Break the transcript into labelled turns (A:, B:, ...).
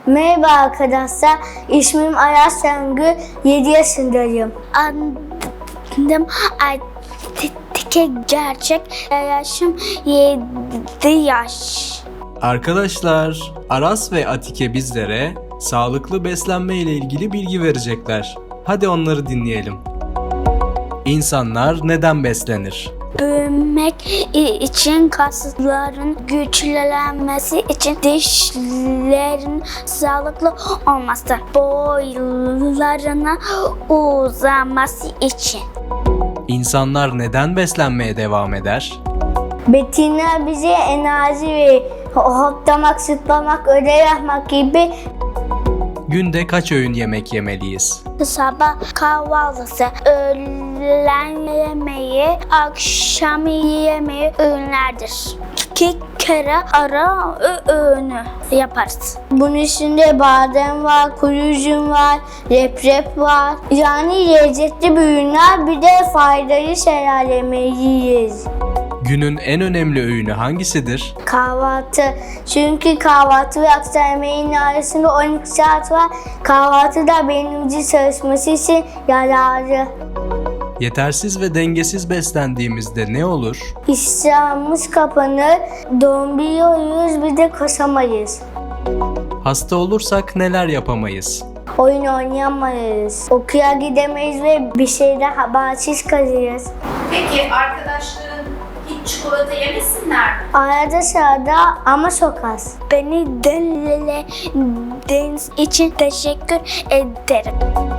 A: Merhaba arkadaşlar, ismim Aras Şengül, 7 yaşındayım.
B: Adım Atike Gerçek, yaşım 7 yaş.
C: Arkadaşlar, Aras ve Atike bizlere sağlıklı beslenme ile ilgili bilgi verecekler. Hadi onları dinleyelim. İnsanlar neden beslenir?
B: Büyümek için, kasların güçlenmesi için, dişlerin sağlıklı olması, boylarına uzaması için.
C: İnsanlar neden beslenmeye devam eder?
A: Besinler bize enerji verir. Hoplamak, zıplamak, ödev yapmak gibi.
C: Günde kaç öğün yemek yemeliyiz?
B: Sabah kahvaltısı, öğlen yemeği, akşam yemeği öğünlerdir. 2 kere ara öğünü yaparız.
A: Bunun içinde badem var, kuru üzüm var, leprep var. Yani lezzetli ürünler, bir de faydalı şeyler yemeliyiz.
C: Günün en önemli öğünü hangisidir?
A: Kahvaltı. Çünkü kahvaltı ve akşam yemeğinin arasında 12 saat var. Kahvaltı da beynimizin çalışması için yararlı.
C: Yetersiz ve dengesiz beslendiğimizde ne olur?
A: İştahımız kapanır, donduruyoruz, bir de koşamayız.
C: Hasta olursak neler yapamayız?
A: Oyun oynayamayız. Okula gidemeyiz ve bir şeyden habersiz kalırız.
D: Peki arkadaşların hiç çikolata yemesinler mi?
A: Arada sırada ama çok az.
B: Beni dinlediğiniz için teşekkür ederim.